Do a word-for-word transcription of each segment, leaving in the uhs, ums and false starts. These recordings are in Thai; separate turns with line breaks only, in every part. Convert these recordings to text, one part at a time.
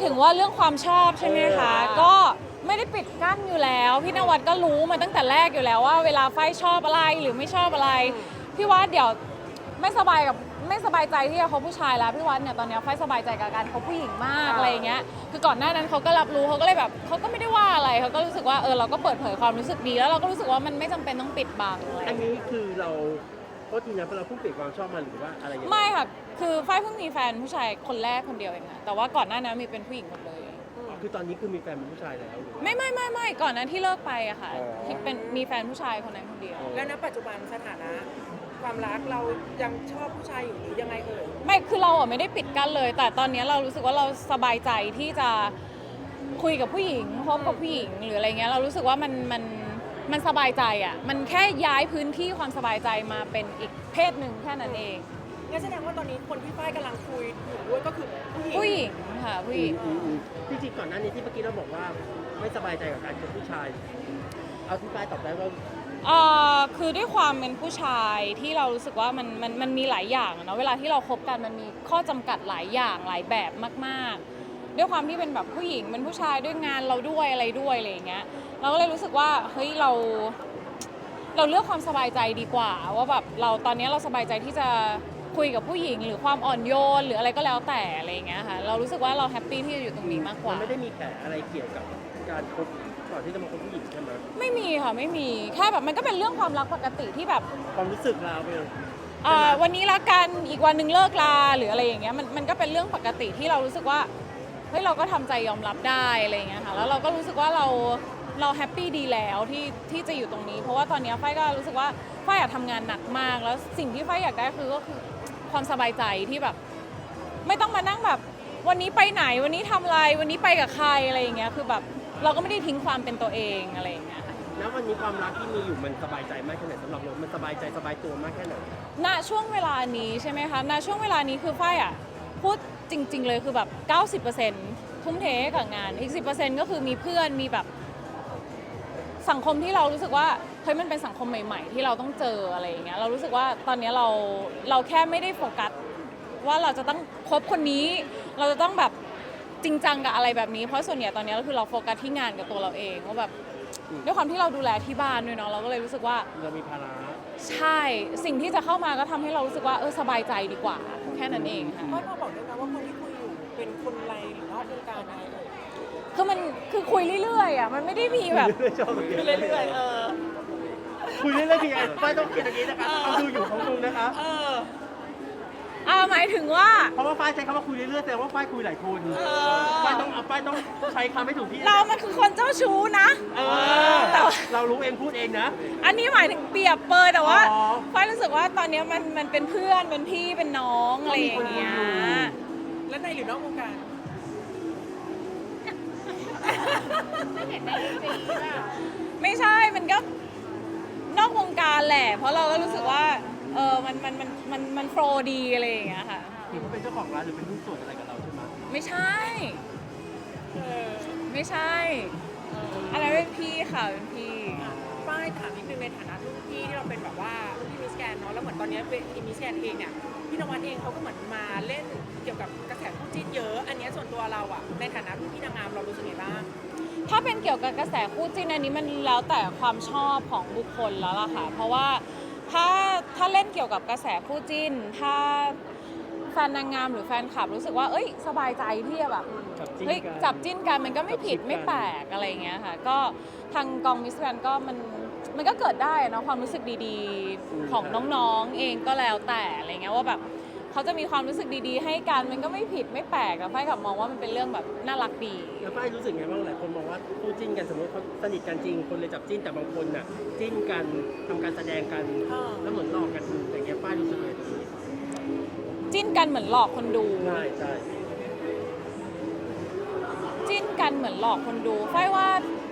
ถึงว่าเรื่องความชอบใช่ไหมคะก็ไม่ได้ปิดกั้นอยู่แล้วพี่นวัดก็รู้มาตั้งแต่แรกอยู่แล้วว่าเวลาไฟชอบอะไรหรือไม่ชอบอะไรพี่วัดเดี๋ยวไม่สบายกับไม่สบายใจที่จะคบผู้ชายแล้วพี่วัดเนี่ยตอนนี้ไฟสบายใจกับการคบผู้หญิงมากอะไรอย่างเงี้ยคือก่อนหน้านั้นเขาก็รับรู้เขาก็เลยแบบเขาก็ไม่ได้ว่าอะไรเขาก็รู้สึกว่าเออเราก็เปิดเผยความรู้สึกดีแล้วเราก็รู้สึกว่ามันไม่จำเป็นต้องปิดบังอะไร
อันนี้คือเราก็ทีนั้นเราเพิ่งเปลี่ยนความชอบมาหรือว่าอะไรอย่างเงี้ย
ไม่ค่ะคือไฟเพิ่งมีแฟนผู้ชายคนแรกคนเดียวเองค่ะแต่ว่าก่อนหน้านั้นมีเป็นผู้หญิงหมดเลย
คือตอนนี้คือมีแฟนเป็นผู้ชายแล้วหรือว่า
ไม่ไม่ไม่ไม่ก่อนนั้นที่เลิกไปอะค่ะ
อ๋อ
ที่เป็นมีแฟนผู้ชายคนนั้นคนเดียว
แล้วณปัจจุบันสถานะความรักเรายังชอบผู้ชายอยู่หรือยังไงเอ่ย
ไม่คือเราอะไม่ได้ปิดกั้นเลย แต่ตอนนี้เรารู้สึกว่าเราสบายใจที่จะคุยกับผู้หญิงคบกับผู้หญิงหรืออะไรเงี้ยเรารู้สึกว่ามันมันมันสบายใจอะมันแค่ย้ายพื้นที่ความสบายใจมาเป็นอีกเพศหนึ่งแค่นั้นเอง
งั้นแสดงว่าตอนนี้คนที่ฝ้ายกำลังคุยอยู่ด้วยก็คือผู้หญิง
ผู้หญิงค่ะผู้หญิง
อืมอืมจริงๆก่อนหน้านี้ที่เมื่อกี้เราบอกว่าไม่สบายใจกับการคบผู้ชาย เอาที่ป้ายตอบได้ว่า
เอ่อคือด้วยความเป็นผู้ชายที่เรารู้สึกว่ามันมันมันมีหลายอย่างอะเนาะเวลาที่เราคบกันมันมีข้อจำกัดหลายอย่างหลายแบบมากๆ ด้วยความที่เป็นแบบผู้หญิงเป็นผู้ชายด้วยงานเราด้วยอะไรด้วยอะไรอย่างเงี้ยเราก็เลยรู้สึกว่าเฮ้ยเรา เราเลือกความสบายใจดีกว่าว่าแบบเราตอนนี้เราสบายใจที่จะคุยกับผู้หญิงหรือความอ่อนโยนหรืออะไรก็แล้วแต่อะไรอย่างเงี้ยค่ะเรารู้สึกว่าเราแฮปปี้ที่จะอยู่ตรงนี้มากก
มั
ว่า
นไม่ได้มีแผลอะไรเกี่ยวกับการคบก่อนที่จะมาคบผู้หญิงใช่ไหม
ไม่มีค่ะไม่มีแค่แบบมันก็เป็นเรื่องความรักปกติที่แบบ
ความรู้สึกเราเป็น
อ่าวันนี้รักกันอีกวันหนึ่งเลิกลาหรืออะไรอย่างเงี้ยมันมันก็เป็นเรื่องปกติที่เรารู้สึกว่าเฮ้ยเราก็ทำใจยอมรับได้อะไรอย่างเงี้ยค่ะแล้วเราก็รู้สึกว่าเราเราแฮปปี้ดีแล้วที่ที่จะอยู่ตรงนี้ เพราะว่าตอนนี้ไฟก็รู้สึกว่าไฟอยากทำงานหนักมากแล้วสิ่งที่ไฟอยากได้คือก็คือความสบายใจที่แบบ ไม่ต้องมานั่งแบบวันนี้ไปไหนวันนี้ทำอะไรวันนี้ไปกับใครอะไรอย่างเงี้ยคือแบบเราก็ไม่ได้ทิ้งความเป็นตัวเองอะไรอย่างเงี้ยค่ะ
แล้ววันนี้ความรักที่มีอยู่มันสบายใจมากแค่ไหนสำหรับเรามันสบายใจสบายตัวมากแค่ไหน
ณช่วงเวลานี้ใช่ไหมคะ ณช่วงเวลานี้คือฝ้ายอ่ะพูดจริง ๆ เลยคือแบบ เก้าสิบเปอร์เซ็นต์ ทุ่มเทให้กับงาน อีก สิบเปอร์เซ็นต์ ก็คือมีเพื่อน มีแบบสังคมที่เรารู้สึกว่าเฮ้ยมันเป็นสังคมใหม่ ๆ ที่เราต้องเจออะไรอย่างเงี้ย เรารู้สึกว่าตอนนี้เราเราแค่ไม่ได้โฟกัสว่าเราจะต้องคบคนนี้ เราจะต้องแบบจริงจังกับอะไรแบบนี้ เพราะส่วนใหญ่ตอนนี้ก็คือเราโฟกัสที่งานกับตัวเราเองว่าแบบด้วยความที่เราดูแลที่บ้านด้วยเนาะ เราก็เลยรู้สึกว่า
เรามีภาระ
ใช่สิ่งที่จะเข้ามาก็ทำให้เรารู้สึกว่าเออสบายใจดีกว่าแค่นั้นเองค่ะ
ฝ้ายพอบอกได้ไหมว่าคนที่คุยอยู่เป็นคนไรหรือนอกวงการอะไรเอ่ย
คือมันคือคุยเรื่อยๆอ่ะมันไม่ได้มีแบบ
เรื่อยๆชอบแบบนี้
คือเรื่อยๆเออ
คุยเรื่อยๆคือไงป้ายต้องคิดอย่างนี้นะคะเขาดูอยู่เขาดูนะคะ
เออ
อ่าหมายถึงว่า
เพราะว่าป้ายใช้คำว่าคุยเรื่อยๆแสดงว่าป้ายคุยหลายคน
อ
ป้ายต้องเอาป้ายต้องใช้คำให้ถูกที่
เรามันคือคนเจ้าชู้นะ
เออเรารู้เองพูดเองนะ
อันนี้หมายถึงเปรียบเปรยแต่ว่า
อ๋อ
ฝ้ายรู้สึกว่าตอนนี้มันมันเป็นเพื่อนเป็นพี่เป็นน้องอะไรอย่างเงี้ย
และในหรือนอกวงการ
ไม่ใช่มันก็นอกวงการแหละ เพราะเราก็รู้สึกว่าเออมันมันมันมันมันโฟร์ดีอะไรอย่างเงี้ยค่ะ
คือเขาเป็นเจ้าของร้านหรือเป็นหุ้นส่วนอะไรกับเราใช่ไหม
ไม่ใช่
เออ
ไม่ใช่อันนั้นเป็นพี่ค่ะเป็นพี่
ฝ้ายถามนิดนึงในฐานะรุ่นพี่ที่เราเป็นแบบว่ารุ่นพี่มิสแกนเนาะแล้วเหมือนตอนนี้เวทีมิสแกนเองเนี่ยพี่นวัดเองเขาก็เหมือนมาเล่นเกี่ยวกับกระแสคู่จิ้นเยอะ อันเนี้ยส่วนตัวเราอะในฐานะรุ่นพี่นางงามเรารู้สึกไงบ้าง
ถ้าเป็นเกี่ยวกับกระแสคู่จิ้นอันนี้มันแล้วแต่ความชอบของบุคคลแล้วล่ะค่ะ เพราะว่าถ้าถ้าเล่นเกี่ยวกับกระแสคู่จิ้น ถ้าแฟนนางงามหรือแฟนคลับรู้สึกว่าเอ้ยสบายใจที่จะแบบ
จับจิ้น
เฮ้ย
กัน
จับจิ้นกันมันก็ไม่ผิด
จับจิ้นกัน
ไม่แปลกอะไรอย่างเงี้ยค่ะ ก็ทางกองมิสแกรนก็มันมันก็เกิดได้นะความรู้สึกดีๆ ของน้องๆเองก็แล้วแต่อะไรเงี้ยว่าแบบเขาจะมีความรู้สึกดีๆ ให้กันมันก็ไม่ผิดไม่แปลกแต่ไฟกับมองว่ามันเป็นเรื่องแบบน่ารักดี
แล้วป้ายรู้สึกไงบ้างหลายคนมองว่าคู่จิ้นกันสมมติเขาสนิทกันจริงคนเลยจับจิ้นแต่บางคนน่ะจิ้นกันทำการแสดงกัน
อ่า
แล้วเหมือนหลอกกันอย่างเงี้ยป้ายรู้สึกไงตรงนี้
จิ้นกันเหมือนหลอกคนดู
ใช่ใช่
จิ้นกันเหมือนหลอกคนดูไฟว่า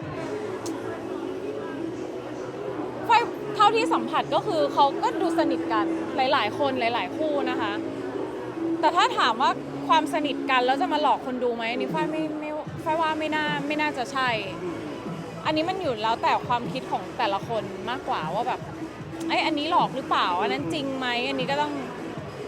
ไฟเท่าที่สัมผัสก็คือเขาก็ดูสนิทกันหลาย ๆ คนหลาย ๆ คู่นะคะ แต่ถ้าถามว่าความสนิทกันแล้วจะมาหลอกคนดูไหมอันนี้ไฟไม่ไม่ไฟว่าไม่น่าไม่น่าจะใช่ อันนี้มันอยู่แล้วแต่ความคิดของแต่ละคนมากกว่าว่าแบบไอ้ยอันนี้หลอกหรือเปล่าอันนั้นจริงไหมอันนี้ก็ต้อง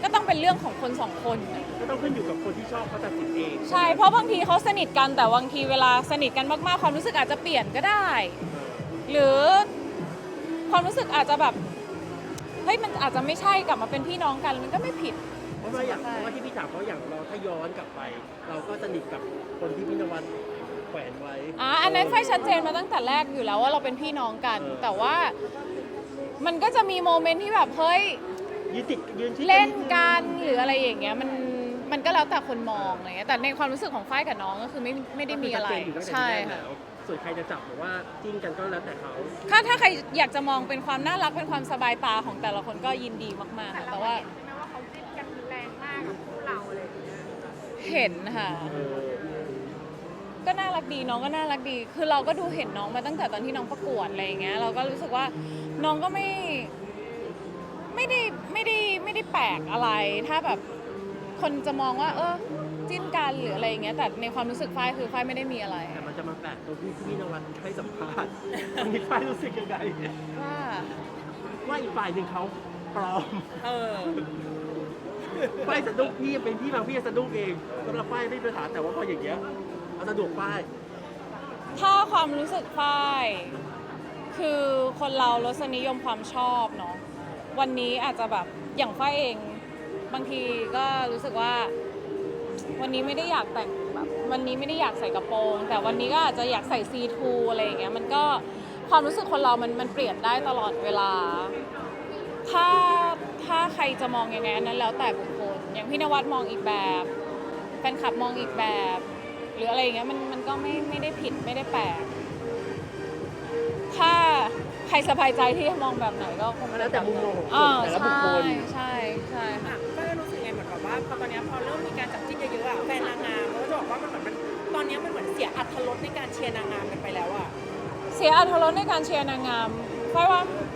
ก็ต้องเป็นเรื่องของคนสองคนน่ะ
ก็ต้องขึ้นอยู่กับคนที่ชอบเขาตัดสินเอง
ใช่เพราะบางทีเขาสนิทกันแต่บางทีเวลาสนิทกันมากๆความรู้สึกอาจจะเปลี่ยนก็ได้ หรือความรู้สึกอาจจะแบบเฮ้ยมันอาจจะไม่ใช่กลับมาเป็นพี่น้องกันมันก็ไม่ผิด
เพราะว่าอย่างเพราะว่าที่พี่ถามเพราะอย่างเราถ้าย้อนกลับไป เราก็สนิทกับคนที่พี่นวัดแขวนไว้
อ่ะอันนั้นไฟชัดเจนมาตั้งแต่แรกอยู่แล้วว่าเราเป็นพี่น้องกัน
เออ
แต่ว่ามันก็จะมีโมเมนต์ที่แบบเฮ้ย
ยืนติดยืนชิด
เล่นกันหรืออะไรอย่างเงี้ยมันมันก็แล้วแต่คนมองอะไรเงี้ยแต่ในความรู้สึกของฝ้ายกับน้องก็คือไม่ไม่ได้มีอะไร
ก็คืชัดเจนอยู่ตั้งแต่
ใช่
แรก
ค่ะ
แล้วส่วนใครจะจับหรือว่าจิ้นกันก็แล้วแต่เขา
ถ้าถ้าใครอยากจะมองเป็นความน่ารักเป็นความสบายตาของแต่ละคนก็ยินดีมากๆค่ะแต่ว่า
ใช่ไหมว่าเขาจิ้นกันแรงมากกับคู่เราอะไรอย่างเงี้ย
เห็นค่ะ
เออ
ก็น่ารักดีน้องก็น่ารักดี คือเราก็ดูเห็นน้องมาตั้งแต่ตอนที่น้องประกวดอะไรอย่างเงี้ยเราก็รู้สึกว่าน้องก็ไม่ไม่ได้ไม่ได้ไม่ได้แปลกอะไร ถ้าแบบคนจะมองว่า เออจิ้นกันหรืออะไรอย่างเงี้ยแต่ในความรู้สึกฝ้ายคือฝ้ายไม่ได้มีอะไร
แต่มันจะมาแปลกตรงที่พี่นวัดให้สัมภาษณ์อันนี้ฝ้ายรู้สึกยังไง
ว่า
ว่าอีกฝ่ายหนึ่งเขาปลอม
เออ
ฝ้ายสะดุ้งพี่เป็นพี่บางพี่สะดุ้งเองสำหรับฝ้ายไม่เป็นปัญหาแต่ว่าพออย่างเงี้ยเอาสะดวกฝ้าย
ถ้าความรู้สึกฝ้ายคือคนเรารสนิยมความชอบเนาะวันนี้อาจจะแบบอย่างฝ้ายเองบางทีก็รู้สึกว่า วันนี้ไม่ได้อยากแต่งแบบวันนี้ไม่ได้อยากใส่กระโปรง แต่วันนี้ก็อาจจะอยากใส่ซีทูอะไรอย่างเงี้ยมันก็ความรู้สึกคนเรามันมันเปลี่ยนได้ตลอดเวลา ถ้าถ้าใครจะมองยังไงอันนั้นแล้วแต่บุคคลอย่างพี่นวัดมองอีกแบบแฟนคลับมองอีกแบบ หรืออะไรอย่างเงี้ยมันมันก็ไม่ไม่ได้ผิดไม่ได้แปลกถ้าใครสบายใจที่จะมองแบบไหนก็คง
แล้วแต่มุมมองของคน
อ่า
แต่ละบุคคล
ใช่ใช่ใช่ค่ะ
อ่ะก็รู้สึกไงเหมือนแบบว่าพอตอนเนี้ยพอเริ่มมีการจับจิ้นเยอะๆอ่ะแฟนนางงามเขาก็จะบอกว่ามันเหมือนมันตอนเนี้ยมันเหมือนเสียอรรถรสในการเชียร์นางงามกันไปแล้วอ่ะ
เสียอรรถรสในการเชียร์นางงามเพราะว่า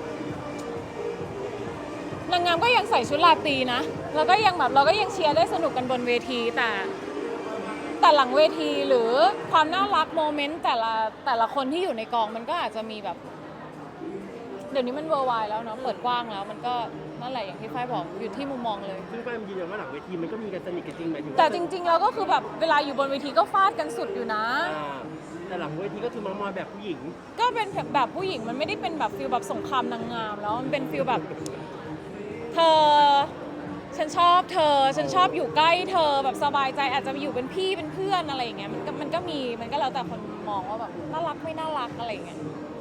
นางงามก็ยังใส่ชุดราตรีนะแล้วก็ยังแบบเราก็ยังเชียร์ได้สนุกกันบนเวทีแต่แต่หลังเวทีหรือความน่ารักโมเมนต์แต่ละแต่ละคนที่อยู่ในกองมันก็อาจจะมีแบบ เดี๋ยวนี้มันเวอร์ไวแล้วเนาะเปิดกว้างแล้วมันก็นั่นแหละอย่างที่ฝ้ายบอกอยู่ที่มุมมองเลย
ซึ่งฝ้ายมันยืนยันว่าหลังเวทีมันก็มีกันสนิทกันจริงหมายถึงว่า
แต่จริงๆแล้วก็คือแบบเวลาอยู่บนเวทีก็ฟาดกันสุดอยู่นะ
อ่าแต่หลังเวทีก็คือมามอยแบบผู้หญิง
ก็เป็นแบบผู้หญิงมันไม่ได้เป็นแบบฟิลแบบสงครามนางงามแล้วมันเป็นฟิลแบบเธอฉันชอบเธอฉันชอบอยู่ใกล้เธอแบบสบายใจอาจจะอยู่เป็นพี่เป็นเพื่อนอะไรอย่างเงี้ยมันก็มันก็มีมันก็แล้วแต่คนมองว่าแบบน่ารักไม่น่ารักอะไรอย่างเงี้ย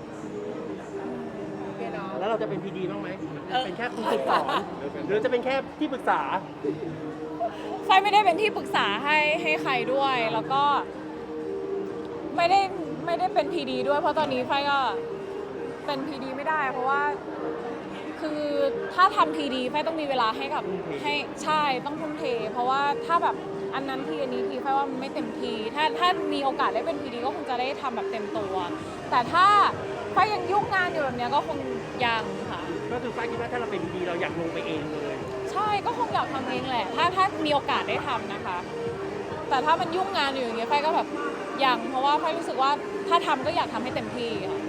แล้วเราจะเป็นพีดีบ้างไหมเป็นแค่ผู้ฝึกสอนหรือจะเป็นแค่ที่ปรึกษา
ไฟไม่ได้เป็นที่ปรึกษาให้ให้ใครด้วย แล้วก็ไม่ได้ไม่ได้เป็นพีดีด้วย เพราะตอนนี้ไฟก็เป็นพีดีไม่ได้ เพราะว่าคือถ้าทำพีดีไฟต้องมีเวลาให้กับให้ใช่ต้องทุ่มเท เพราะว่าถ้าแบบอันนั้นทีอันนี้ทีไฟว่ามันไม่เต็มทีถ้าถ้ามีโอกาสได้เป็นพีดีก็คงจะได้ทำแบบเต็มตัว แต่ถ้าไฟยังยุ่งงานอยู่แบบเนี้ยก็คงยังค่ะ
ก็คือฝ้ายคิดว่าถ้าเราเป็นพีดีเราอยากลงไปเองเลย
ใช่ก็คงอยากทำเองแหละ ถ้าถ้ามีโอกาสได้ทำนะคะ แต่ถ้ามันยุ่งงานอยู่อย่างเงี้ยไฟก็แบบยังเพราะว่าไฟรู้สึกว่าถ้าทำก็อยากทำให้เต็มที่ค่ะ